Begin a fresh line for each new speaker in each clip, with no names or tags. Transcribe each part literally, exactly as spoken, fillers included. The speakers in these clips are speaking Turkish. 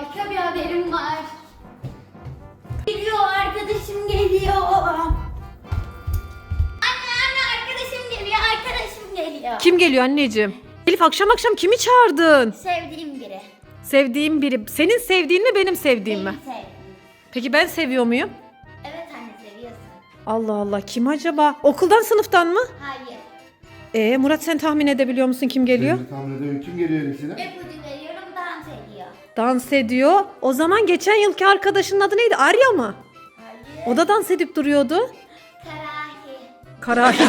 harika bir haberim var. Geliyor, arkadaşım geliyor. Anne anne arkadaşım geliyor, arkadaşım geliyor.
Kim geliyor anneciğim? Elif akşam akşam kimi çağırdın?
Sevdiğim biri.
Sevdiğim biri. Senin sevdiğin mi benim sevdiğim mi?
Benim sevdiğim.
Peki ben seviyor muyum?
Evet anne seviyorsun.
Allah Allah, kim acaba? Okuldan, sınıftan mı?
Hayır.
Ee Murat, sen tahmin edebiliyor musun kim geliyor?
Ben de tahmin ediyorum. Kim geliyor Elif'ine?
İpucu veriyorum, dans ediyor.
Dans ediyor. O zaman geçen yılki arkadaşının adı neydi? Arya mı?
Hayır.
O da dans edip duruyordu.
Karahi.
Karahi.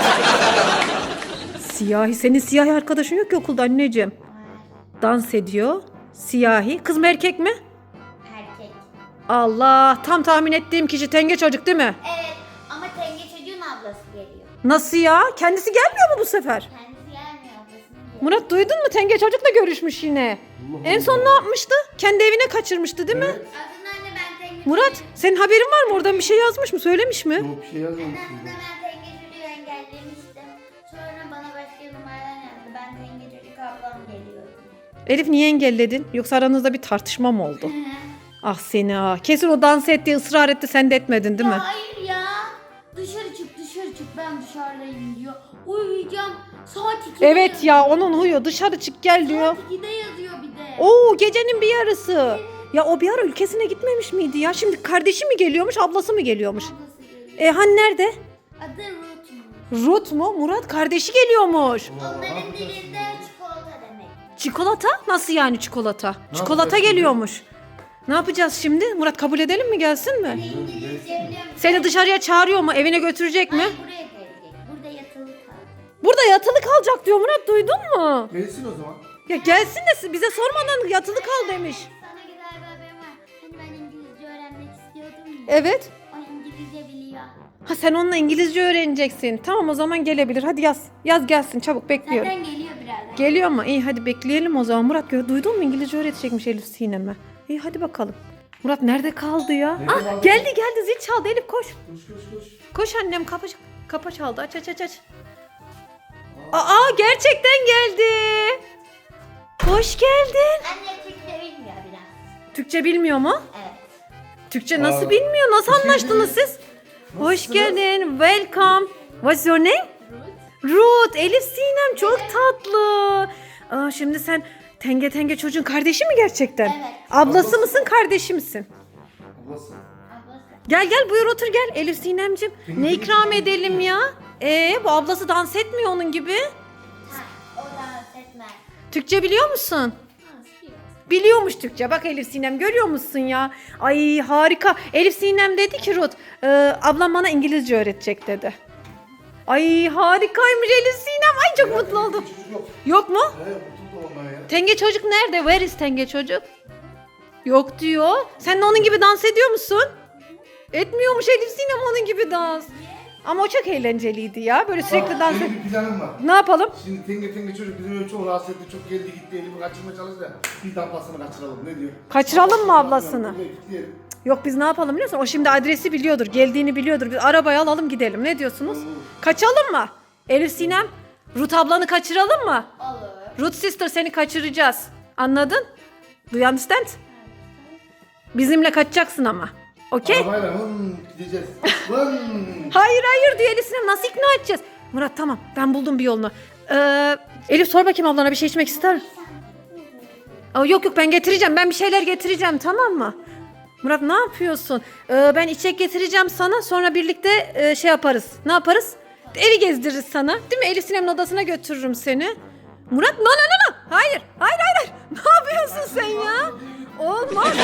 Siyahi. Senin siyahi arkadaşın yok ki okulda anneciğim.
Var.
Dans ediyor. Siyahi. Kız mı erkek mi?
Erkek.
Allah. Tam tahmin ettiğim kişi Tenge çocuk değil mi?
Evet ama Tenge çocuğun ablası geliyor.
Nasıl ya? Kendisi gelmiyor mu bu sefer?
Kendisi gelmiyor, ablasının geliyor.
Murat, duydun mu? Tenge çocukla görüşmüş yine.
Allah
En son
Allah.
ne yapmıştı? Kendi evine kaçırmıştı değil mi?
Evet.
Aslında anne ben Tenge
Murat,
çocuğu-
senin haberin var mı? Oradan bir şey yazmış mı? Söylemiş mi?
Yok bir şey yazmamış.
Aslında ben Tenge çocuğu engellemiştim. Sonra bana başka numaradan yazdı. Ben Tenge çocuk ablam geliyor.
Elif, niye engelledin? Yoksa aranızda bir tartışma mı oldu? Ah seni ah. Kesin o dans etti, ısrar etti, sen de etmedin değil mi?
Ya hayır ya. Dışarı çık dışarı çık, ben dışarıdayım diyor. Uyuyacağım. Saat ikide
Evet
yazıyor.
ya, onun huyu. Dışarı çık gel diyor.
Saat ikide yazıyor bir de.
Oo, gecenin bir yarısı. Ya o bir ara ülkesine gitmemiş miydi ya? Şimdi kardeşi mi geliyormuş, ablası mı geliyormuş?
Ablası geliyor.
E han nerede?
Adı Ruth.
Ruth mu? Murat, kardeşi geliyormuş.
Onların dilinde çikolata demek.
Çikolata? Nasıl yani çikolata?
Ne
Çikolata
yapacağız şimdi?
geliyormuş. Ne yapacağız şimdi? Murat, kabul edelim mi, gelsin mi?
İngilizce biliyor musun?
Seni dışarıya çağırıyor mu? Evine götürecek mi?
Hayır, buraya gelecek. Burada yatılı kal.
Burada yatılı kalacak diyor Murat, duydun mu?
Gelsin o zaman.
Ya gelsin de bize sormadan yatılı kal demiş.
Sana güzel bir haberim var. Hani ben İngilizce öğrenmek istiyordum ya.
Evet.
O İngilizce biliyor.
Ha, sen onunla İngilizce öğreneceksin. Tamam, o zaman gelebilir. Hadi yaz. Yaz gelsin, çabuk bekliyorum.
Zaten geliyor birazdan.
Geliyor mu? İyi, hadi bekleyelim o zaman. Murat, gö- duydun mu? İngilizce öğretecekmiş Elif Sinem'e. İyi, hadi bakalım. Murat nerede kaldı ya?
Nerede
Ah,
kaldı?
geldi geldi, zil çaldı. Elif koş.
Koş koş koş.
Koş annem, kapı, kapı çaldı. Aç aç aç aç. Aa, gerçekten geldi. Hoş geldin.
Anne Türkçe bilmiyor biraz.
Türkçe bilmiyor mu?
Evet.
Türkçe nasıl
Aa.
bilmiyor? Nasıl anlaştınız siz? Hoş
Nasılsınız?
geldin. Welcome. What's your name?
Ruth.
Ruth. Elif Sinem, çok tatlı. Aa, şimdi sen Tenge Tenge çocuğun kardeşi mi gerçekten?
Evet.
Ablası
Ablası.
mısın, kardeşi misin?
Ablası.
Ablası.
Gel gel, buyur otur gel Elif Sinem'cim.
Tenge
Ne
Tenge
ikram
çocuğu
edelim ya? Ee, bu ablası dans etmiyor onun gibi.
Ha, o dans etmez.
Türkçe biliyor musun?
Dans biliyor.
Biliyormuş Türkçe. Bak Elif Sinem, görüyor musun ya? Ay harika. Elif Sinem dedi ki Ruth, e, ablam bana İngilizce öğretecek dedi. Ay harikaymış Elif Sinem. Ay çok mutlu oldum.
Çocuk yok.
Yok mu?
He mutlu da onlar ya.
Tenge çocuk nerede? Where is Tenge çocuk? Yok diyor. Sen de onun gibi dans ediyor musun? Etmiyormuş Elif Sinem onun gibi dans. Ama o çok eğlenceliydi ya. Böyle sürekli
Bak,
dans et.
benim bir planım var.
Ne yapalım?
Şimdi tenge tenge çocuk bizim öyle çok rahatsız etti. Çok geldi gitti. Elimi kaçırmaya çalıştı da. Bir de ablasını kaçıralım. Ne diyor?
Kaçıralım mı ablasını?
Evet, gidelim.
Yok, biz ne yapalım biliyor musun? O şimdi adresi biliyordur, geldiğini biliyordur. Biz arabayı alalım gidelim. Ne diyorsunuz? Kaçalım mı? Elif Sinem, Ruth ablanı kaçıralım mı?
Olur.
Ruth sister, seni kaçıracağız. Anladın? Do you understand? Bizimle kaçacaksın ama. Okey?
Arabayla hın gideceğiz. Hın.
Hayır hayır diyor Elif Sinem. Nasıl ikna edeceğiz? Murat tamam, ben buldum bir yolunu. Ee, Elif sor bakayım ablana, bir şey içmek ister mi? Aa, yok yok, ben getireceğim. Ben bir şeyler getireceğim, tamam mı? Murat ne yapıyorsun? Ee, ben içecek getireceğim sana. Sonra birlikte e, şey yaparız. Ne yaparız? Evi gezdiririz sana. Değil mi? Elif Sinem'in odasına götürürüm seni. Murat no no no no. Hayır. Hayır hayır. hayır. Ne yapıyorsun sen ya? Olmaz.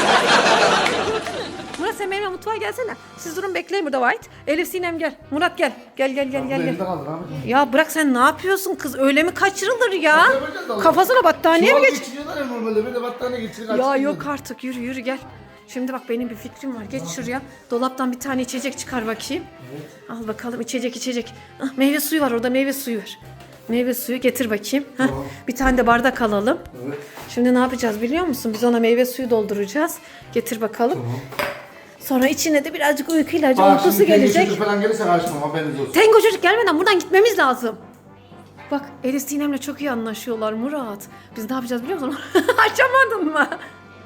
Murat sen benimle mutfağa gelsene. Siz durun, bekleyin burada White. Elif Sinem gel. Murat gel. Gel gel gel
Abla
gel.
elinde
gel.
kaldı Rahmet.
Ya bırak, sen ne yapıyorsun kız? Öyle mi kaçırılır ya?
Nasıl yapacağız abla?
Kafasına battaniye mi
Çuval
geç?
geçiriyorlar ya normalde. Böyle battaniye geçirir.
Ya yok artık, yürü yürü gel. Şimdi bak, benim bir fikrim var. Geç şuraya. Dolaptan bir tane içecek çıkar bakayım. Al bakalım, içecek içecek. Ah, meyve suyu var orada, meyve suyu var. Meyve suyu getir bakayım. Heh,
Tamam.
bir tane de bardak alalım.
Evet.
Şimdi ne yapacağız biliyor musun? Biz ona meyve suyu dolduracağız. Getir bakalım.
Tamam.
Sonra içine de birazcık uyku ilacı,
Bak
uykusu
şimdi tenge
gelecek.
çocuk falan gelirse karışmam, haberiniz olsun.
Tengo çocuk gelmeden buradan gitmemiz lazım. Bak Elif Sinem'le çok iyi anlaşıyorlar Murat. Biz ne yapacağız biliyor musun? Açamadın mı?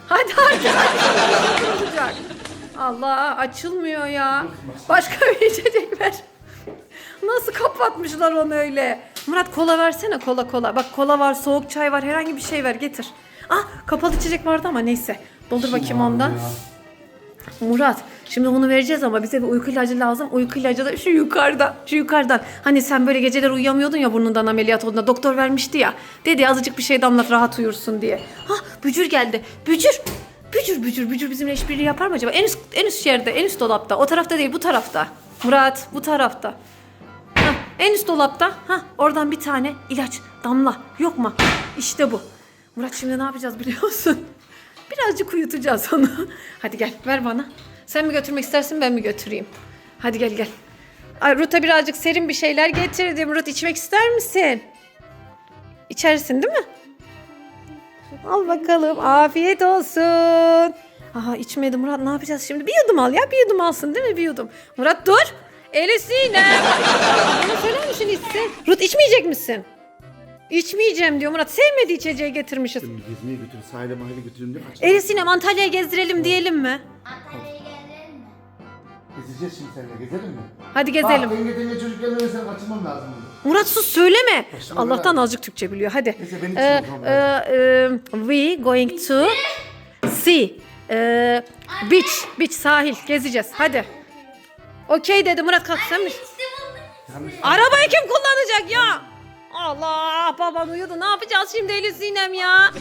Hadi artık açılmıyor. Olacak. Allah açılmıyor ya. Başka bir içecek ver. Nasıl kapatmışlar onu öyle? Murat kola versene, kola kola. Bak kola var, soğuk çay var, herhangi bir şey ver getir. Ah kapalı içecek vardı ama neyse. Doldur bakayım ondan. Murat şimdi bunu vereceğiz ama bize bir uyku ilacı lazım. Uyku ilacı da şu yukarıda. Şu yukarıdan. Hani sen böyle geceler uyuyamıyordun ya burnundan ameliyat olduğunda. Doktor vermişti ya. Dedi azıcık bir şey damlat rahat uyursun diye. Hah Bücür geldi. Bücür. Bücür bücür bücür bizimle işbirliği yapar mı acaba? En üst, en üst yerde, en üst dolapta. O tarafta değil bu tarafta. Murat bu tarafta. Hah, en üst dolapta. Hah, oradan bir tane ilaç damla. Yok mu? İşte bu. Murat şimdi ne yapacağız biliyor musun? Birazcık uyutacağız onu. Hadi gel ver bana. Sen mi götürmek istersin ben mi götüreyim? Hadi gel gel. Ay Ruth'a birazcık serin bir şeyler getirdim. Ruth içmek ister misin? İçersin değil mi? Al bakalım. Afiyet olsun. Aha içmedi Murat ne yapacağız şimdi? Bir yudum al ya bir yudum alsın değil mi bir yudum? Murat dur. Eli Sinem. Bana söyler misin içsin? Ruth içmeyecek misin? İçmeyeceğim diyor Murat. Sevmediği içeceği getirmişiz.
Şimdi gezmeye götür, sahile mahile götürelim değil mi?
Eli Sinem Antalya'ya gezdirelim diyelim mi?
Antalya'ya gelelim mi?
Gezeceğiz şimdi seninle, gezelim mi?
Hadi gezelim.
Bak denge denge çocuk gelmeden sen kaçırmam lazım bunu.
Murat sus söyleme.
Başlama
Allah'tan
ya.
azıcık Türkçe biliyor. Hadi.
Neyse, benim için
Ee,
o zaman.
e, e, we going to see e, beach. Beach sahil gezeceğiz. Hadi. Okey dedi Murat kalk sen mi?
İşte buldum.
Yanlış.
Arabayı kim kullanacak ya? Allah baban uyudu. Ne yapacağız şimdi Elif Sinem ya?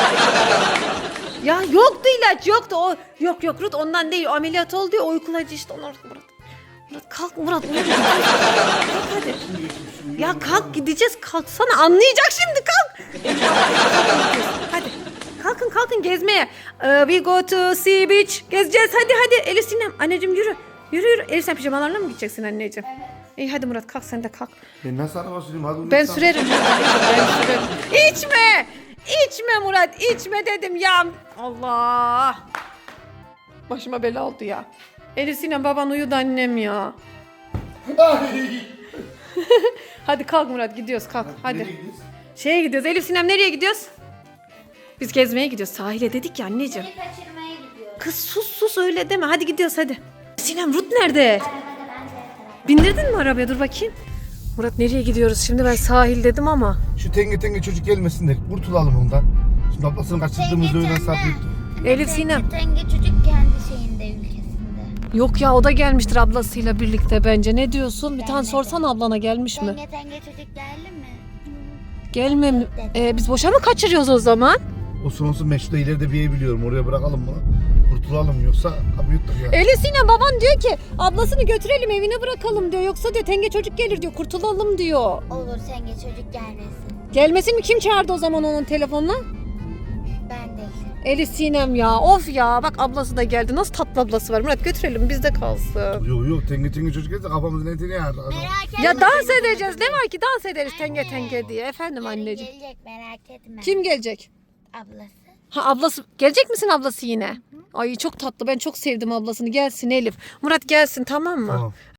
Ya yoktu ilaç yoktu. O yok yok Ruth ondan değil. O ameliyat oldu ya o uykulacı işte onlar Murat. Murat kalk Murat. Murat. Kalk hadi. Ya kalk gideceğiz kalksana anlayacak şimdi kalk. Hadi kalkın kalkın gezmeye. Ee, we go to sea beach. Gezeceğiz hadi hadi Elif Sinem. Anneciğim yürü. Yürü yürü. Elif sen pijamalarla mı gideceksin anneciğim?
Evet.
İyi hadi Murat kalk sen de kalk.
Ben nasıl araba süreyim? Hadi
Ben
unutsan.
sürerim. Ben sürerim. İçme. İçme Murat içme dedim ya. Allah. Başıma bela oldu ya. Elif Sinem baban uyudu annem ya.
Ay!
Hadi kalk Murat gidiyoruz kalk hadi.
Nereye gidiyoruz?
Şeye gidiyoruz Elif Sinem nereye gidiyoruz? Biz gezmeye gidiyoruz sahile dedik ya anneciğim.
Seni kaçırmaya gidiyoruz.
Kız sus sus öyle deme hadi gidiyoruz hadi. Sinem Ruth nerede?
Arabada ben de yatarım.
Bindirdin mi arabaya dur bakayım. Murat nereye gidiyoruz şimdi ben sahil dedim ama.
Şu tenge tenge çocuk gelmesin de kurtulalım ondan. Şimdi ablasını kaçırdığımız öğlen saat büyüktü.
Elif Sinem.
Tenge çocuk kendi şeyinde ülkesinde.
Yok ya o da gelmiştir ablasıyla birlikte bence ne diyorsun? Bir tane sorsan ablana gelmiş mi?
Tenge tenge çocuk geldi mi?
Gelmem. Ee, biz boşa mı kaçırıyoruz o zaman?
Olsun olsun ben şurada ileride bir ev biliyorum. Oraya bırakalım bunu. Kurtulalım yoksa abi yuttuk ya.
Elif Sinem baban diyor ki ablasını götürelim evine bırakalım diyor. Yoksa diyor tenge çocuk gelir diyor kurtulalım diyor.
Olur tenge çocuk gelmesin.
Gelmesin mi kim çağırdı o zaman onun telefonla?
Ben değil.
Elif Sinem ya of ya bak ablası da geldi. Nasıl tatlı ablası var Murat götürelim bizde kalsın.
Yok yok tenge tenge çocuk gelse kafamızın etini yer.
Merak etme.
Ya dans edeceğiz ne var ki dans ederiz tenge tenge diye efendim
Yarın
anneciğim.
gelecek merak etme.
Kim gelecek?
Ablası.
Ha ablası gelecek misin ablası yine? Ay çok tatlı ben çok sevdim ablasını gelsin Elif. Murat gelsin tamam mı?
Tamam.